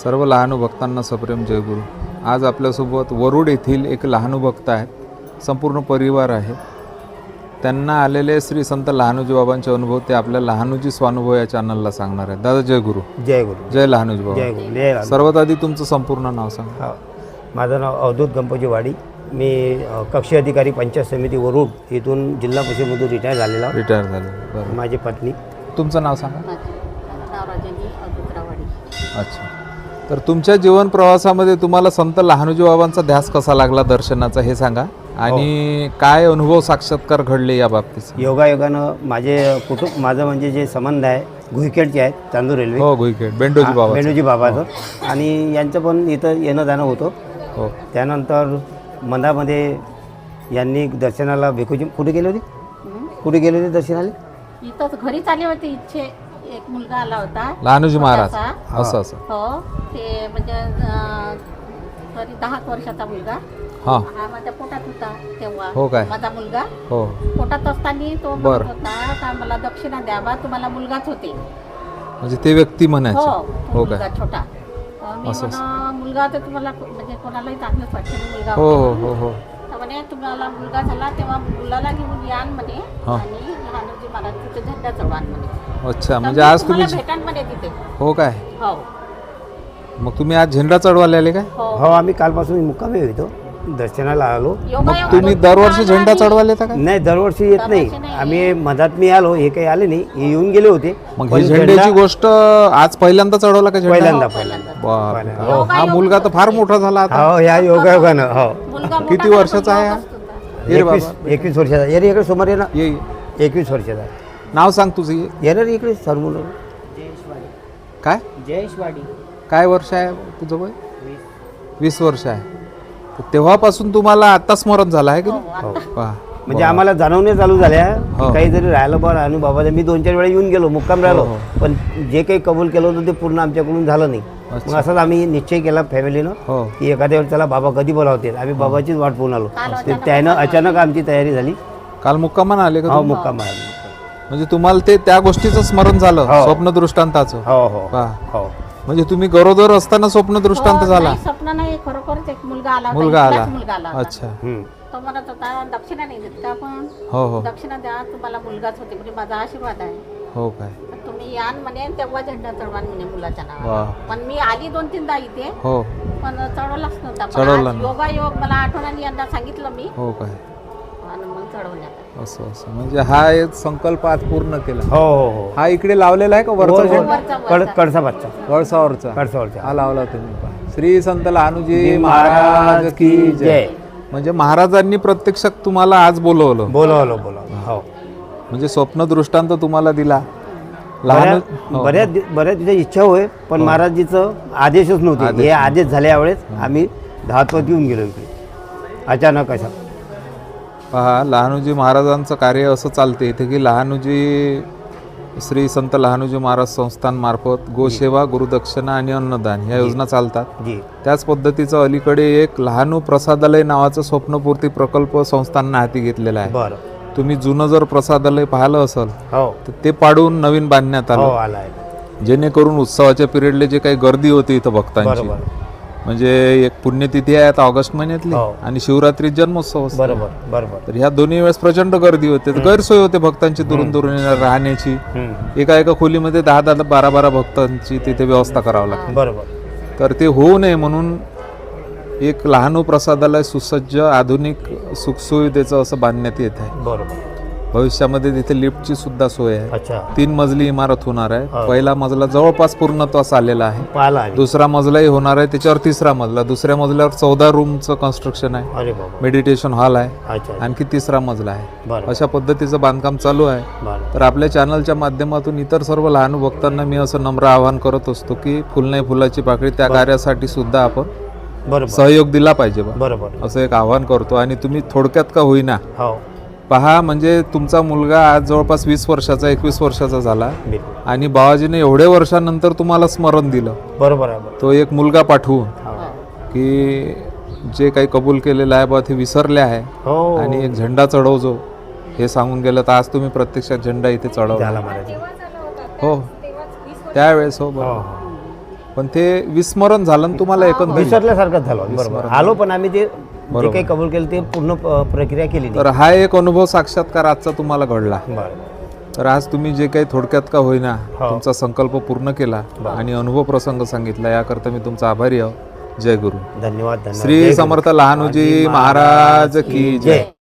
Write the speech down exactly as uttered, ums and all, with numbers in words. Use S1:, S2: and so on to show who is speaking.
S1: सर्व लहानू भक्तांना सप्रेम जयगुरु. आज आपल्यासोबत वरुड येथील एक लहानू भक्त आहेत, संपूर्ण परिवार आहे. त्यांना आलेले श्री संत लहानूजी बाबांचे अनुभव ते आपल्या लहानूजी स्वानुभव या चॅनलला सांगणार आहेत. दादा जय गुरु.
S2: जय गुरु.
S1: जय लहानूजी बाबा.
S2: जय गुरु. जय लहानू.
S1: सर्वात आधी तुमचं संपूर्ण नाव सांगा.
S2: हा, माझं नाव अवधूत गणपती वाडी. मी अ, कक्षी अधिकारी पंचायत समिती वरुड इथून जिल्हा परिषदमधून रिटायर झालेला.
S1: रिटायर झाले. बरं.
S2: माझी पत्नी.
S1: तुमचं नाव सांगा.
S3: नाव राजाजी अवधूतरावाडी.
S1: अच्छा. तर तुमच्या जीवन प्रवासामध्ये तुम्हाला संत लहानूजी बाबांचा ध्यास कसा लागला दर्शनाचा हे सांगा, आणि काय अनुभव साक्षात्कार घडले या बाबतीत.
S2: योगायोगानं माझे कुटुंब माझं म्हणजे जे संबंध आहे घुईखेडचे आहेत, चांदूर रेल्वे.
S1: हो, घुईखेड बेंडोजी बाबा.
S2: बेंडोजी बाबाचं. आणि यांचं पण इथं येणं जाणं होतं.
S1: हो.
S2: त्यानंतर मंदामध्ये यांनी दर्शनाला भिकूजी कुठे गेले होते कुठे गेले होते दर्शनाला?
S3: इथंच घरीच आले होते. इच्छे एक मुलगा आला होता
S1: लहानूजी महाराज.
S3: छोटासा.
S1: असं असं.
S3: हो, ते म्हणजे अं, तरी दहा वर्षाचा मुलगा.
S1: हां.
S3: हा माझ्या पोटात होता तेव्हा.
S1: हो काय?
S3: माझा मुलगा
S1: हो.
S3: पोटात असताना तो म्हणत
S1: बरं.
S3: होता का मला दक्षिणा द्यावा, तुम्हाला मुलगाच होते.
S1: म्हणजे ते व्यक्ती म्हणायचे.
S3: हो, तो
S1: हो
S3: मुलगा
S1: काय?
S3: छोटा. तर मी
S1: असं
S3: म्हणा मुलगा तर तुम्हाला म्हणजे कोणालाही चांगलंच वाटतं ना मुलगा
S1: हो
S3: होता.
S1: हो हो हो.
S3: तर म्हणे तुम्हाला मुलगा झाला तेव्हा मुलाला घेऊन यान म्हणे,
S1: हा.
S3: आणि लहानूजी महाराज तिथे झेंडा चढवान म्हणे.
S1: अच्छा.
S3: तर
S1: म्हणजे
S3: मी
S1: आज तुम्ही
S3: तुम्हाला भेटान म्हणे तिथे.
S1: हो काय?
S3: हो
S1: मग तुम्ही आज झेंडा चढवायला आले काय?
S3: हो.
S2: हो, आम्ही कालपासून मुक्कामी होतो, दर्शनाला आलो.
S3: योगायोग
S1: तुम्ही
S3: होता
S1: दरवर्षी झेंडा
S3: आणि-
S1: चढवायला येता काय?
S2: नाही, दरवर्षी येत नाही.
S3: दरवर्षी नाही.
S2: आम्ही मधात मी आलो, हे काही आले नाही, हे येऊन गेले होते.
S1: मग
S2: पण
S1: ही झेंड्याची
S2: झेंडा
S1: गोष्ट आज पहिल्यांदा चढवला का झेंडा?
S2: पहिल्यांदा
S3: हो,
S2: पहिल्यांदा
S1: बाप.
S2: पहिल्यांदा.
S1: हो, हा मुलगा तर फार मोठा झाला आता.
S2: हो, या योगायोगानं. हो,
S3: मुलगा मोठा
S1: किती
S3: झाला,
S1: वर्षाचा
S3: पण
S1: आहे हा?
S3: योगच होता.
S1: ये रे
S2: एकवीस
S1: बाबा.
S2: एकवीस वर्षाचा. ये रे इकडे समोर ये ना.
S1: ये ये.
S2: एकवीस वर्षाचा.
S1: नाव सांग तुझं. ये.
S2: ये रे इकडे सरमुलं.
S1: काय
S2: जयेशवाडी.
S1: काय वर्ष आहे तुझं वय? वीस वर्ष आहे. तर तेव्हापासून तुम्हाला आता स्मरण झालं आहे की
S3: हो,
S1: नाही?
S3: आता.
S1: वा.
S2: म्हणजे आम्हाला जाणवणे चालू झाल्या
S1: हो.
S2: की काही जरी राहिलं बा आणि बाबा मी दोन चार वेळा येऊन गेलो, मुक्काम राहिलो,
S1: हो,
S2: पण जे काही कबूल केलं होतं ते पूर्ण आमच्याकडून झालं नाही.
S1: अच्छा.
S2: मग असंच आम्ही निश्चय केला फॅमिलीनं
S1: हो.
S2: की एखाद्या वेळेस त्याला बाबा कधी बोलावतील. आम्ही बाबाचीच वाट पाहून आलो.
S3: काल
S2: ते
S3: अचानक
S2: त्यानं
S3: आला.
S2: अचानक आमची तयारी झाली.
S1: काल मुक्कामान आले का
S2: हो,
S1: तुम्ही?
S2: मुक्काम आहे.
S1: म्हणजे तुम्हाला ते त्या गोष्टीचं स्मरण झालं,
S2: हो.
S1: स्वप्न दृष्टांताचं.
S2: हो हो
S1: वा.
S2: हो.
S1: म्हणजे तुम्ही गरोदर असताना स्वप्न दृष्टांत
S3: हो,
S1: झाला?
S3: नाही, स्वप्न नाही, खरोखरच एक मुलगा आला होता.
S1: मुलगा आला.
S3: इथलाच मुलगा आला होता.
S1: अच्छा.
S2: हम्म.
S3: तो म्हणत होता दक्षिणा नाही देत का आपण,
S1: हो हो
S3: दक्षिणा द्या, तुम्हाला मुलगाच होते म्हणजे माझा आशीर्वाद आहे.
S1: हो काय?
S3: तर तुम्ही यान म्हणे तेव्हा झेंडा चढवान म्हणे मुलाच्या
S1: वा.
S3: नावावर. पण मी आली दोन तीनदा इथे,
S1: हो
S3: पण चढवलाच नव्हता.
S1: चढवला
S3: पण आज
S1: नाही.
S3: योगायोग मला आठवणाने यंदा सांगितलं मी,
S1: हो काय?
S3: आणि मग चढवण्यात आलं.
S1: असं असं म्हणजे हा एक संकल्प आज पूर्ण केला.
S2: हो हो हो.
S1: हा इकडे लावलेला आहे का वरचा
S2: वर-
S1: झेंडा?
S3: वरचा-
S2: कड
S3: वरचा.
S2: कडसा बच्चा
S1: वळसावरचा.
S2: कडसावरचा.
S1: हा लावला तुम्ही पहा. श्री संत लहानूजी
S2: जी
S1: महाराज की जय.
S2: जय.
S1: म्हणजे महाराजांनी प्रत्यक्षात तुम्हाला आज बोलवलं,
S2: बोलावलं बोलावलं. हो.
S1: म्हणजे स्वप्न दृष्टांत तुम्हाला दिला. लहान
S2: बऱ्या- बऱ्याच दि- बऱ्याच तिथे इच्छा होय, पण महाराजीचं आदेशच नव्हते.
S1: आदेश
S2: हे आदेश झाल्या यावेळेस आम्ही धावत येऊन गेलो इकडे अचानक. अशा
S1: पहा, लहानूजी महाराजांचं कार्य असं चालते इथे की लहानूजी श्री संत लहानूजी महाराज संस्थान मार्फत गोसेवा, गुरुदक्षिणा आणि अन्नदान ह्या योजना चालतात.
S2: जी.
S1: त्याच पद्धतीचं अलीकडे एक लहानू प्रसादालय नावाचं स्वप्नपूर्ती प्रकल्प संस्थांना हाती घेतलेला आहे.
S2: बरं.
S1: तुम्ही जुनं जर प्रसादालय पाहिलं असेल
S2: हो
S1: तर ते पाडून नवीन बांधण्यात
S2: हो
S1: आलं,
S2: आला आहे.
S1: जेणेकरून उत्सवाच्या पिरियडला जे काही गर्दी होती इथं भक्तांची,
S2: बरोबर
S1: म्हणजे एक पुण्यतिथी आहे आता ऑगस्ट महिन्यातली,
S2: हो.
S1: आणि शिवरात्री जन्मोत्सव असतो.
S2: बरोबर बरोबर.
S1: तर ह्या दोन्ही वेळेस प्रचंड गर्दी होते, तर गैरसोय होते भक्तांची दुरून दुरून येणार राहण्याची.
S2: हम्म.
S1: एका एका खोलीमध्ये दहा दहा बारा बारा भक्तांची तिथे व्यवस्था करावी लागते.
S2: बरोबर.
S1: तर ते होऊ नये म्हणून एक लहानू प्रसादालय सुसज्ज आधुनिक सुखसुविधेचं असं बांधण्यात येत आहे.
S2: बरोबर.
S1: भविष्यामध्ये तिथे लिफ्टची सुद्धा सोय आहे.
S2: अच्छा.
S1: तीन मजली इमारत होणार आहे.
S2: हा.
S1: पहिला मजला जवळपास पूर्णत्वास आलेला आहे.
S2: पाहिला आहे.
S1: दुसरा मजलाही होणार आहे, त्याच्यावर तिसरा मजला, दुसऱ्या मजल्यावर चौदा रूमचं कन्स्ट्रक्शन आहे,
S2: अरे बाबा.
S1: मेडिटेशन हॉल आहे,
S2: अच्छा.
S1: आणखी तिसरा मजला आहे.
S2: बरं.
S1: अशा पद्धतीचं बांधकाम चालू आहे.
S2: बरं.
S1: तर आपल्या चॅनलच्या माध्यमातून इतर सर्व लहान भक्तांना मी असं नम्र आवाहन करत असतो की फुल नाही फुलाची पाकळी त्या कार्यासाठी सुद्धा आपण
S2: बरोबर.
S1: सहयोग दिला पाहिजे बा,
S2: बरोबर.
S1: असं एक आवाहन करतो. आणि तुम्ही थोडक्यात का होईना
S2: हो.
S1: पहा, म्हणजे तुमचा मुलगा आज जवळपास वीस वर्षाचा एकवीस वर्षाचा झाला,
S2: बिलकुल.
S1: आणि बाबाजीने एवढ्या वर्षानंतर तुम्हाला स्मरण दिलं.
S2: बरोबर आहे. बरोबर.
S1: तो एक मुलगा पाठवून
S2: हो.
S1: की जे काही कबूल केलेलं आहे बा ते विसरले आहे,
S2: हो.
S1: आणि एक झेंडा चढवजो हे सांगून गेलं. तर आज तुम्ही प्रत्यक्षात झेंडा इथे चढवला.
S2: झाला महाराज.
S1: हो त्यावेळेस. हो
S2: हो
S1: बरोबर.
S2: हो.
S1: पण ते विस्मरण झालं ना तुम्हाला एकंदरीत.
S2: विसरल्यासारखंच झालं. बरोबर आलो, पण आम्ही ते जे काही कबूल केलं ते पूर्ण प- प्रक्रिया केली नाही.
S1: तर हा एक अनुभव साक्षात्कार आजचा तुम्हाला घडला.
S2: बरं.
S1: तर आज तुम्ही जे काही थोडक्यात का होईना
S2: हो.
S1: तुमचा संकल्प पूर्ण केला आणि अनुभव प्रसंग सांगितला, याकरता मी तुमचा आभारी आहो. जय गुरु.
S2: धन्यवाद. धन्यवाद.
S1: श्री समर्थ लहानूजी महाराज की जय.